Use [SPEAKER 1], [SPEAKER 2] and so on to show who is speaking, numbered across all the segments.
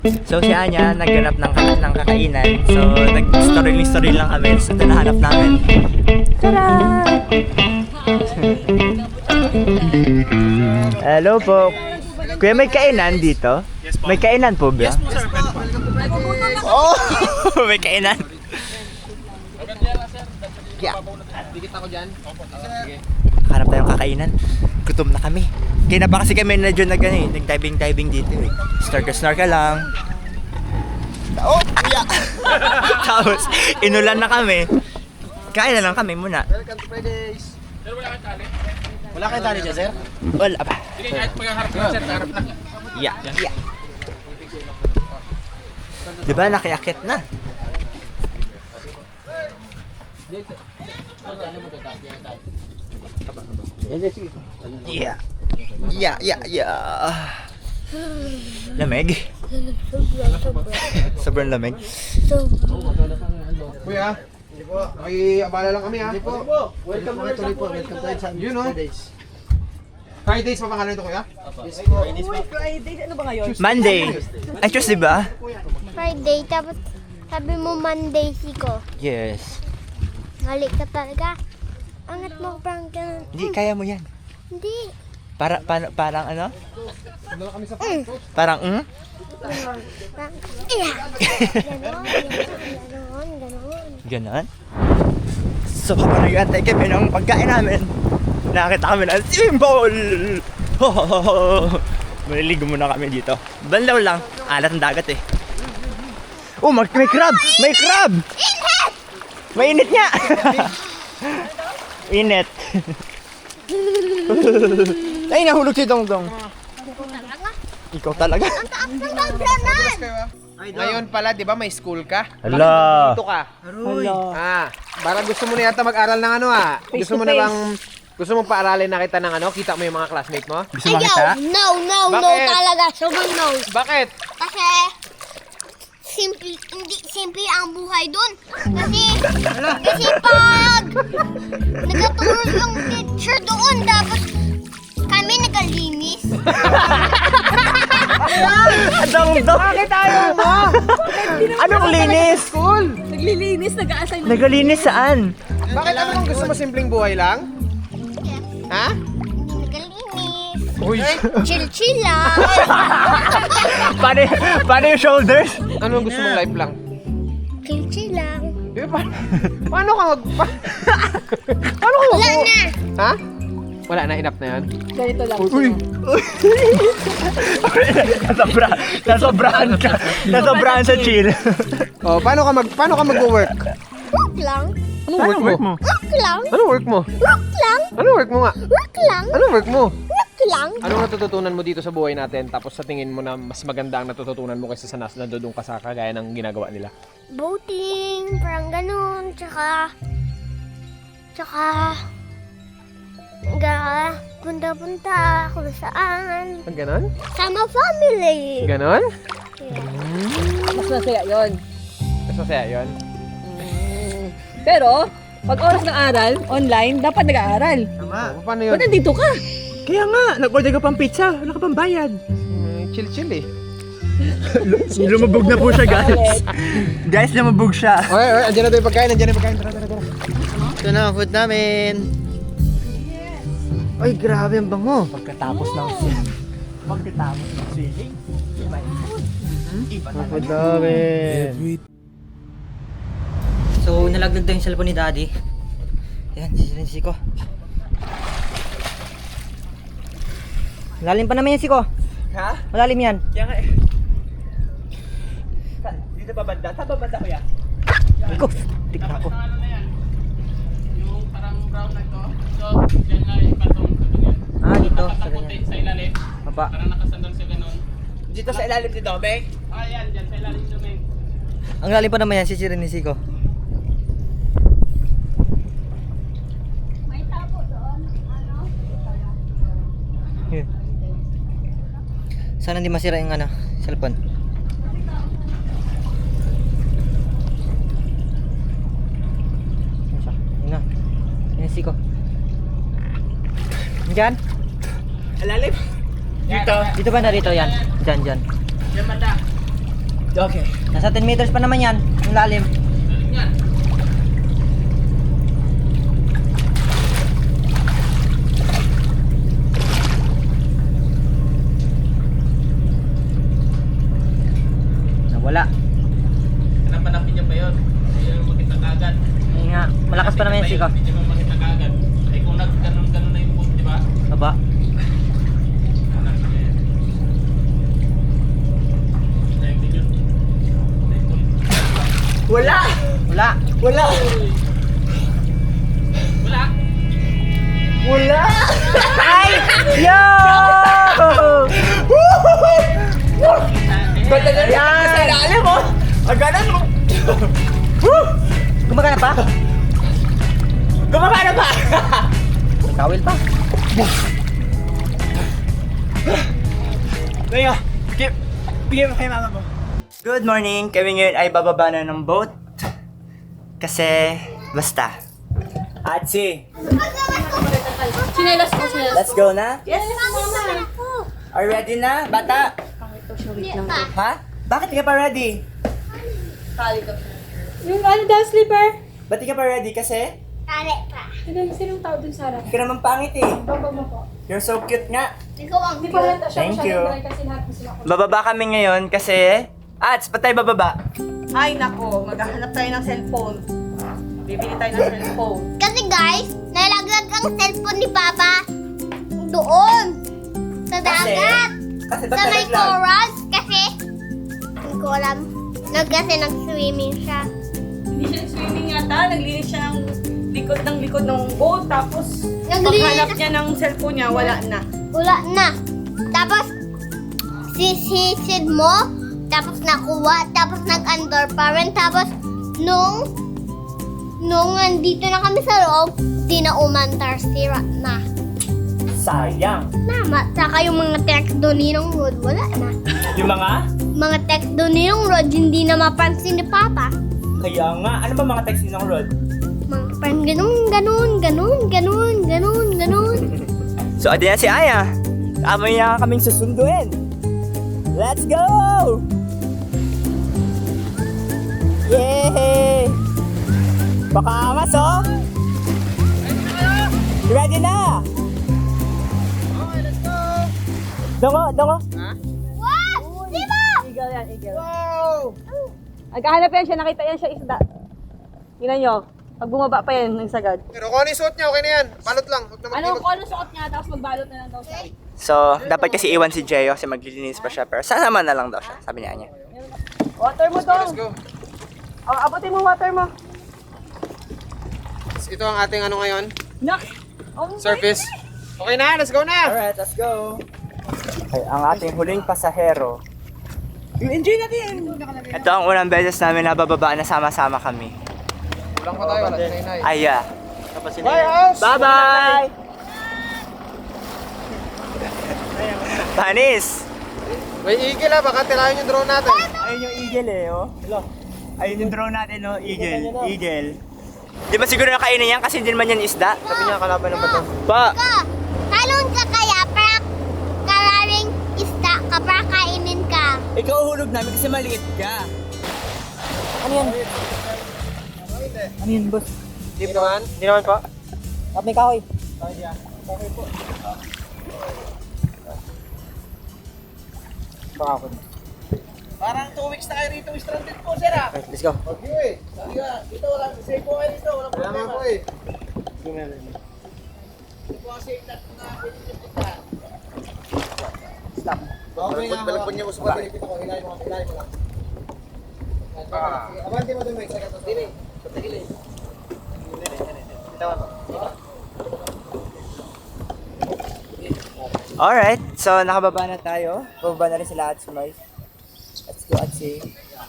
[SPEAKER 1] So si Anya nagganap ng kakainan. So nag-story lang kami. So ito nahanap namin. Tada! Hello po. Kuya, may kainan dito? Yes po. May kainan po ba?
[SPEAKER 2] Yes po sir.
[SPEAKER 1] Oh! May kainan. Yeah.
[SPEAKER 2] Dikit ako dyan. Sige.
[SPEAKER 1] Hanap tayong kakainan. Gutom na kami. Kaya na ba kasi kami medyo nag-diving dito eh. Snorkel lang. Oh! Yeah. Tapos, inulan na kami. Kain na lang kami muna.
[SPEAKER 2] Welcome to Fridays. Sir, wala kang tali? Wala kang tali dyan, sir?
[SPEAKER 1] Wala pa.
[SPEAKER 2] Sige, kahit maghaharap ka, sir. Harap na.
[SPEAKER 1] Yeah. Diba nakiakit na? Yeah. Lamig. Sobrang lamig.
[SPEAKER 3] Kuya, may abala lang kami ha.
[SPEAKER 2] Welcome to Fridays.
[SPEAKER 3] You know? Fridays pa pangalan ito kuya?
[SPEAKER 1] Monday. Ay, Tuesday ba?
[SPEAKER 4] Friday, tapos sabi mo Monday, Siko.
[SPEAKER 1] Yes.
[SPEAKER 4] Halik ka talaga. Angat mo, prank ka.
[SPEAKER 1] Hindi, kaya mo yan.
[SPEAKER 4] Hindi.
[SPEAKER 1] Parang ano? Parang
[SPEAKER 4] Prank. Iya. Ganon.
[SPEAKER 1] Ganon? So, habang nag-antay kami ng pagkain namin, nakakita kami ng swimming pool! Maliligo muna kami dito. Banlaw lang. Alat ng dagat eh. Oh, may crab! May crab!
[SPEAKER 4] Init!
[SPEAKER 1] Mainit nga! Init. Ay, nahulog si Dongdong. Ikaw talaga?
[SPEAKER 4] Ang taas ng gagyanan!
[SPEAKER 3] Ngayon pala, di ba may school ka?
[SPEAKER 1] Hala.
[SPEAKER 3] Dito ka. Para gusto mo na yata mag-aral ng ano Gusto mo na bang, gusto mo paaralin na kita ng ano? Kita mo yung mga classmate mo?
[SPEAKER 1] Gusto mo makita?
[SPEAKER 4] Ayaw! No
[SPEAKER 3] Bakit?
[SPEAKER 4] talaga. Sobrang no.
[SPEAKER 3] Bakit?
[SPEAKER 4] Kasi, hindi simple ang buhay dun. Kasi pag nagtuturo yung teacher doon, tapos kami nagalinis.
[SPEAKER 1] Dongdong! Bakit ayaw mo? Anong linis?
[SPEAKER 3] School!
[SPEAKER 5] Naglilinis, nag-a-assign.
[SPEAKER 1] Nagalinis saan?
[SPEAKER 3] Bakit ano bang gusto mo simpleng buhay lang? Ha?
[SPEAKER 4] Hindi nagalinis.
[SPEAKER 3] Uy!
[SPEAKER 4] Chill lang.
[SPEAKER 1] Paano yung shoulders?
[SPEAKER 3] Ano ang gusto mong life lang?
[SPEAKER 4] Chill lang.
[SPEAKER 3] Eh, paano ka paano ka
[SPEAKER 4] Wala na.
[SPEAKER 3] Ha? Wala na, enough na yan.
[SPEAKER 5] Ganito lang.
[SPEAKER 1] Nasobrahan ka. Nasobrahan sa chill.
[SPEAKER 3] Oh, paano ka mag-work?
[SPEAKER 4] Work lang.
[SPEAKER 3] Anong work mo?
[SPEAKER 4] Work lang.
[SPEAKER 3] Anong work mo?
[SPEAKER 4] Work lang.
[SPEAKER 3] Anong work mo nga?
[SPEAKER 4] Work lang.
[SPEAKER 3] Anong work mo?
[SPEAKER 4] Work lang.
[SPEAKER 3] Anong natututunan mo dito sa buhay natin tapos sa tingin mo na mas maganda ang natututunan mo kaysa sa nandun ka sa kagaya ng ginagawa nila?
[SPEAKER 4] Boating, parang ganun. Tsaka, punta-punta kung saan.
[SPEAKER 3] Ang ganon?
[SPEAKER 4] Sama family.
[SPEAKER 3] Ganon?
[SPEAKER 5] Mas masaya yun.
[SPEAKER 3] Mas masaya yun?
[SPEAKER 5] Pero, pag oras ng aral, online, dapat nag-aaral.
[SPEAKER 3] Oh, paano yun?
[SPEAKER 5] Ba't nandito ka?
[SPEAKER 1] Kaya nga, nag-order ka pang pizza. Wala ka pang bayad.
[SPEAKER 3] Chill eh.
[SPEAKER 1] Lumabog na po siya, guys. Guys, lumabog siya.
[SPEAKER 3] Oy, andyan na tayo yung pagkain, Tara.
[SPEAKER 1] Ito na ang food namin. Ay, grabe ang bango. Pagkatapos ng swimming, iba yung food. Iba na
[SPEAKER 3] Food namin.
[SPEAKER 1] So, nalaglag daw yung cellphone ni Daddy. Ayan, sisirin ko. Malalim pa naman yan, Siko. Ha? Malalim yan. Kaya nga eh. Dito ba banda? Saan ba banda ko yan? Iko, tikta ko.
[SPEAKER 2] Yung parang brown na ito. So, dyan na yung patong sa ganyan.
[SPEAKER 1] Ah, dito. Sa
[SPEAKER 2] Nakaputi
[SPEAKER 1] ganyan.
[SPEAKER 2] sa ilalim.
[SPEAKER 1] Baba.
[SPEAKER 2] Parang nakasandal sa ganon.
[SPEAKER 1] Dito sa ilalim ni Domeng?
[SPEAKER 2] Ah, yan. Dyan sa ilalim lumeng.
[SPEAKER 1] Ang lalim pa naman yan, sisirin ni Siko.
[SPEAKER 4] May tabo doon.
[SPEAKER 1] Yun. Sana hindi masira yung cellphone. Yun na. Yun yung Siko. Diyan?
[SPEAKER 2] Alalim.
[SPEAKER 1] Dito ba narito yan? Diyan.
[SPEAKER 2] Yan banda.
[SPEAKER 1] Okay. Nasa 10 meters pa naman yan. Yung lalim.
[SPEAKER 2] Yan.
[SPEAKER 1] Nawala.
[SPEAKER 2] Hanap-hanapin niya pa yun. Hindi niya makita kagad.
[SPEAKER 1] Ayun nga. Malakas pa naman yung sika.
[SPEAKER 2] Hindi niya makita kagad. Ay kung nag-ganon-ganon na yung boat, di ba?
[SPEAKER 1] Baba.
[SPEAKER 2] Hanap niya yan. Dahil din yun. Dahil ulit.
[SPEAKER 1] Wala! Wala! Wala!
[SPEAKER 2] Wala!
[SPEAKER 1] Wala! Ay! Yo! Yan! Sa ilalim mo! Aganan mo! Gumagana pa? Gumagana pa! May kawil pa. Ngayon, bigyan mo kay mama mo. Good morning! Kami ngayon ay bababa na ng boat. Kasi, basta. Atsi,
[SPEAKER 5] Chinelas ko, chinelas.
[SPEAKER 1] let's go na?
[SPEAKER 5] Yes,
[SPEAKER 4] Mama.
[SPEAKER 1] Are you ready na, bata? Ha? Bakit di ka pa ready?
[SPEAKER 5] Yung ano daw, slipper?
[SPEAKER 1] Ba't di ka pa ready? Kasi,
[SPEAKER 4] Tali pa.
[SPEAKER 5] Sinong tao dun sa harap?
[SPEAKER 1] hindi ka naman pangit eh.
[SPEAKER 5] Babag mo po.
[SPEAKER 1] You're so cute nga.
[SPEAKER 4] Ikaw ang
[SPEAKER 5] Hindi pa halata siya.
[SPEAKER 1] Thank
[SPEAKER 5] masyadong
[SPEAKER 1] you.
[SPEAKER 5] dry kasi lahat mo sila.
[SPEAKER 1] Bababa kami ngayon kasi... Ats, ba't tayo bababa?
[SPEAKER 6] Ay nako, maghahanap tayo ng cellphone. Bibili tayo ng cellphone.
[SPEAKER 4] Kasi guys, nalaglag ang cellphone ni Papa doon. Sa dagat.
[SPEAKER 1] Kasi ba't
[SPEAKER 4] Sa may
[SPEAKER 1] nalaglag?
[SPEAKER 4] corals. Kasi, hindi ko alam. Kasi nag-swimming siya.
[SPEAKER 6] Hindi siya swimming yata, naglinis siya ng likod ng boat. Tapos,
[SPEAKER 4] Naglinis
[SPEAKER 6] paghanap
[SPEAKER 4] na-
[SPEAKER 6] niya ng cellphone niya, wala na.
[SPEAKER 4] Wala na. Tapos, sisisid mo. Tapos nakuha. Tapos nag-under pa rin. Tapos, nung nandito na kami sa loob, di na umantar, sira na.
[SPEAKER 1] Sayang.
[SPEAKER 4] Tama. Saka yung mga text doon ni Ninong Rod, wala na.
[SPEAKER 1] Yung mga?
[SPEAKER 4] Mga text doon ni Ninong Rod, hindi na mapansin ni Papa.
[SPEAKER 1] Kaya nga. Ano ba mga text ng Rod?
[SPEAKER 4] Mga parang ganun.
[SPEAKER 1] So, adi na si Aya. Amoy na kaming susunduin. Let's go! Yay! Baka angas, oh! Ready na! Okay, let's go! Dongo!
[SPEAKER 4] Wow! Diba?
[SPEAKER 5] Eagle yan, eagle. Nagkahanap yan siya, nakita yan siya isda. Tingnan nyo. Pag bumaba pa yan ng sagad.
[SPEAKER 3] Pero kung ano yung suot niya, okay na yan. Balot lang. Huwag na
[SPEAKER 5] Ano
[SPEAKER 3] magkilot.
[SPEAKER 5] kung ano suot niya, tapos magbalot na lang daw siya.
[SPEAKER 1] So, dapat kasi iwan si Jeyo kasi maglilinis pa siya. Pero sana naman na lang daw siya, sabi niya.
[SPEAKER 5] Water mo to.
[SPEAKER 3] Let's go.
[SPEAKER 5] Abutin mo water mo.
[SPEAKER 3] Ito ang ating ano ngayon,
[SPEAKER 5] Nak!
[SPEAKER 3] surface. Okay na, let's go na!
[SPEAKER 1] Alright, let's go. Okay, ang ating huling pasahero. Enjoy natin! Ito ang unang beses namin na bababa na sama-sama kami.
[SPEAKER 3] Kulang pa tayo, wala si Nainay.
[SPEAKER 1] Aya.
[SPEAKER 3] Bye, house!
[SPEAKER 1] Bye-bye! Panis!
[SPEAKER 3] May eagle ha, baka tirahin yung drone natin.
[SPEAKER 1] Ayun yung eagle eh, oh. Hello. Ayun yung drone natin, oh. Eagle. Di ba siguro nakainin yan kasi hindi naman yan isda?
[SPEAKER 3] Sabi niya, kalaban ng bato.
[SPEAKER 1] Pa!
[SPEAKER 4] Ka, talon ka kaya para kararing isda ka para kainin ka.
[SPEAKER 1] Ikaw uhulog namin kasi maliit ka. Ano yan? Ano yan, boss?
[SPEAKER 3] Hindi naman? Hindi naman pa?
[SPEAKER 1] May kahoy.
[SPEAKER 3] Pakakon.
[SPEAKER 2] Parang 2 weeks na kayo rito stranded po, sir ah.
[SPEAKER 1] Let's go.
[SPEAKER 2] Okay, sabi nga, dito wala, safe po kayo dito, wala
[SPEAKER 3] Kaya nga
[SPEAKER 2] problema.
[SPEAKER 3] po eh.
[SPEAKER 2] Po kasi na pwede niyo punta.
[SPEAKER 3] Okay nga. Balagpon niya mo sa pati. Kita ko, hilahin mo lang. Abante mo doon, Mike. Sagat mo. Dili.
[SPEAKER 2] Patagilin.
[SPEAKER 1] Alright, so nakababa na tayo. Bababa na rin sila at Sumay. Let's go at see.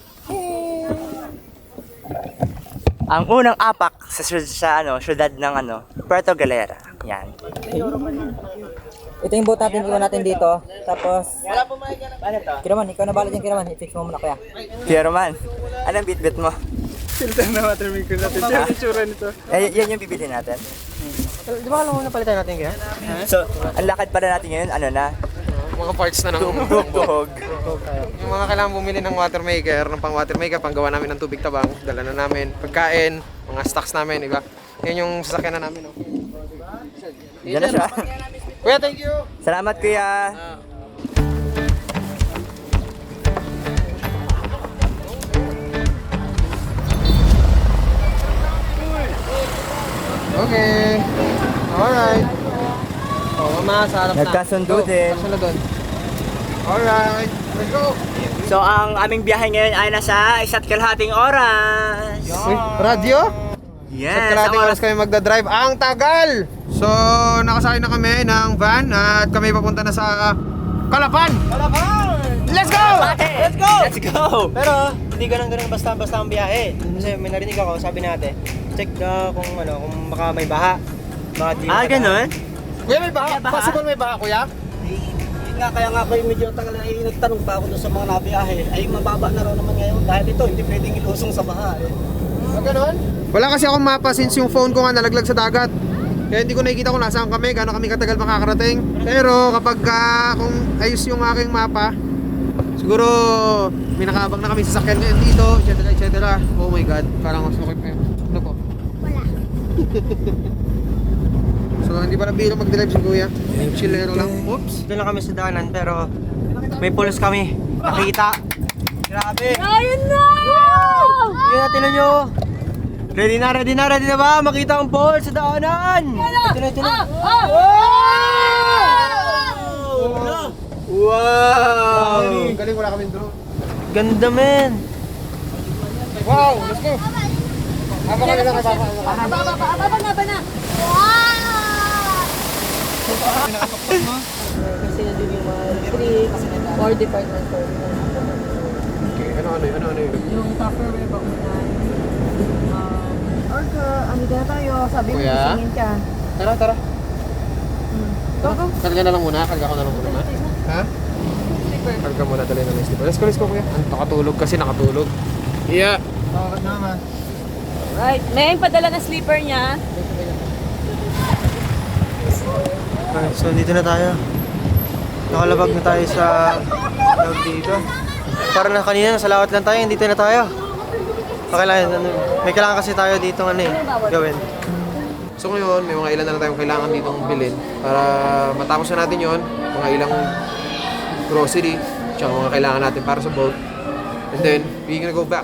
[SPEAKER 1] Ang unang apak sa syudad ng Puerto Galera. Yan.
[SPEAKER 7] Ito yung boat natin, iwan natin dito. Tapos,
[SPEAKER 2] Wala po makikita.
[SPEAKER 1] Ano to?
[SPEAKER 7] Kiraman, ikaw na bala dyan, Kiraman. I-fix mo muna kaya.
[SPEAKER 1] Piero man. Anong bit-bit mo?
[SPEAKER 3] Filter na water maker natin. Siya yung itsura nito.
[SPEAKER 1] Yan yung bibili natin.
[SPEAKER 3] Di ba alam mo na palitan natin kaya?
[SPEAKER 1] So, ang lakad pala natin ngayon,
[SPEAKER 3] Mga parts na ng
[SPEAKER 1] Tumugbog.
[SPEAKER 3] Yung mga kailangan bumili ng water maker, ng pang water maker, pang gawa namin ng tubig tabang, dala na namin, pagkain, mga stocks namin, diba? Yan yung sasakyan na namin, no?
[SPEAKER 1] Diyan na siya.
[SPEAKER 3] Kuya, thank you!
[SPEAKER 1] Salamat kuya.
[SPEAKER 3] Okay. Alright. Oh, mama, sa harap na.
[SPEAKER 1] Nagkasundo
[SPEAKER 3] Go.
[SPEAKER 1] din.
[SPEAKER 3] Kasunod doon. Alright. Let's go!
[SPEAKER 1] So ang aming biyahe ngayon ay nasa 1.5 oras.
[SPEAKER 3] Uy, radyo?
[SPEAKER 1] Yes.
[SPEAKER 3] Sa kalating oras kami magdadrive. Ang tagal! So, nakasakay na kami ng van at kami papunta na sa Calapan! Let's go!
[SPEAKER 1] Let's go! Let's go!
[SPEAKER 7] Pero, hindi ganun basta-basta ang biyahe. Kasi may narinig ako, sabi natin, check kung baka may baha. Baka di
[SPEAKER 1] Ganun?
[SPEAKER 3] Kuya, may baha? Possible may baha, kuya?
[SPEAKER 7] Yun nga, kaya nga ako medyo nagtanong pa ako doon sa mga nabiyahe. Ay, mababa na raw naman ngayon. Dahil ito, hindi pwedeng ilusong sa baha.
[SPEAKER 3] Ganun? Wala kasi akong mapa since yung phone ko nga nalaglag sa dagat. Kaya hindi ko nakikita kung nasaan kami, gaano kami katagal makakarating. Pero kapag kung ayos yung aking mapa, siguro may nakaabang na kami sa sasakyan ngayon dito, etc. etc. Oh my god, parang mas okay pa yun. Ano po?
[SPEAKER 4] Wala.
[SPEAKER 3] So hindi pala biro mag-drive si kuya. Chillero lang. Oops.
[SPEAKER 7] Doon lang kami sa daanan, pero may pulos kami. Nakita. Grabe.
[SPEAKER 5] Ayun na!
[SPEAKER 7] Yun na, tinan nyo. Ready na ba? Makita ang pole sa daanan. Tinan. Wow!
[SPEAKER 3] Galing, wala kami drone.
[SPEAKER 7] Ganda, men.
[SPEAKER 3] Wow, let's go. Haba kami lang kapapa.
[SPEAKER 5] Aba na. Kasi nandun yung mga tricks, or department for
[SPEAKER 3] Okay, ano yun?
[SPEAKER 5] yung Tupperware ba unahan? Or ano na tayo, sabi mo
[SPEAKER 3] Kuya?
[SPEAKER 5] singin ka.
[SPEAKER 3] Tara. Karga na lang muna, karga ko na lang muna. Ha? Karga muna, dali na ng slipper. Let's go kuya. Nakatulog kasi, nakatulog. Yeah. Bakit naman?
[SPEAKER 5] Right, may padala na sleeper niya.
[SPEAKER 7] Okay, so dito na tayo. Nakalabag na tayo sa loob dito. Parang na kanina, nasa lawat lang tayo, dito na tayo. Okay lang, may kailangan kasi tayo dito gawin.
[SPEAKER 3] So ngayon, may mga ilan na lang tayong kailangan ditong bilhin para matapos na natin yon, mga ilang grocery, tsaka mga kailangan natin para sa boat. And then, we're gonna go back.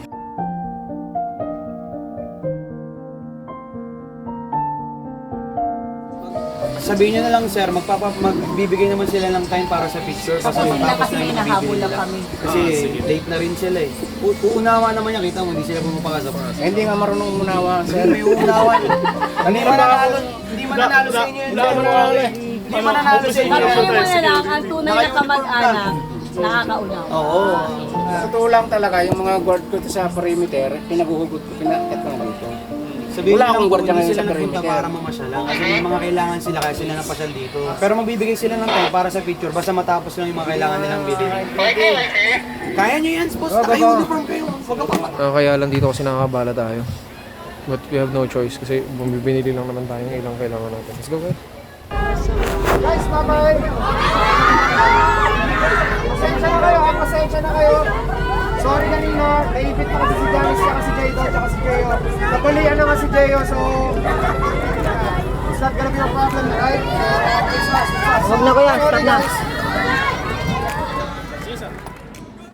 [SPEAKER 8] Sabihin nyo na lang sir, magbibigay naman sila ng time para sa picture kasi tapos na yung bibili nila. Kasi late na rin sila eh. Uunawa naman yan, kita mo, hindi sila pumapakasap.
[SPEAKER 2] Hindi nga marunong umunawa, sir.
[SPEAKER 8] May uunawa. Hindi mananalo sa inyo yun. Hindi mananalo sa inyo.
[SPEAKER 5] Alam mo na lang, ang tunay na kamag-anak, nakakaunaw.
[SPEAKER 8] Oo.
[SPEAKER 2] Sa totoo lang talaga, yung mga guard ko sa perimeter, pinaguhugot ko, pinakit ko na dito.
[SPEAKER 8] Sabihin
[SPEAKER 2] Wala
[SPEAKER 8] lang
[SPEAKER 2] akong
[SPEAKER 8] kung
[SPEAKER 2] gwardiya
[SPEAKER 8] hindi
[SPEAKER 2] ngayon
[SPEAKER 8] sila
[SPEAKER 2] sa
[SPEAKER 8] nagpunta
[SPEAKER 2] perimeter.
[SPEAKER 8] para mamasyala. Kasi may mga kailangan sila kaya sila napasyal dito. Pero magbibigay sila ng time para sa picture basta matapos lang yung mga kailangan nilang bilhin. Kaya nyo yan, boss. Naka-uniform kayo. Huwag ka pa.
[SPEAKER 3] Kaya lang dito kasi nakakabala tayo. But we have no choice kasi bumibinili lang naman tayo ng ilang kailangan natin. Let's go guys. Guys, bye-bye! Pasensya na kayo. Sorry kanina, naipit pa kasi si Janice at si Jay at si Jeyo. Napulian na nga si Jeyo, so it's not gonna be a problem, right?
[SPEAKER 7] Huwag na kuya, stop na.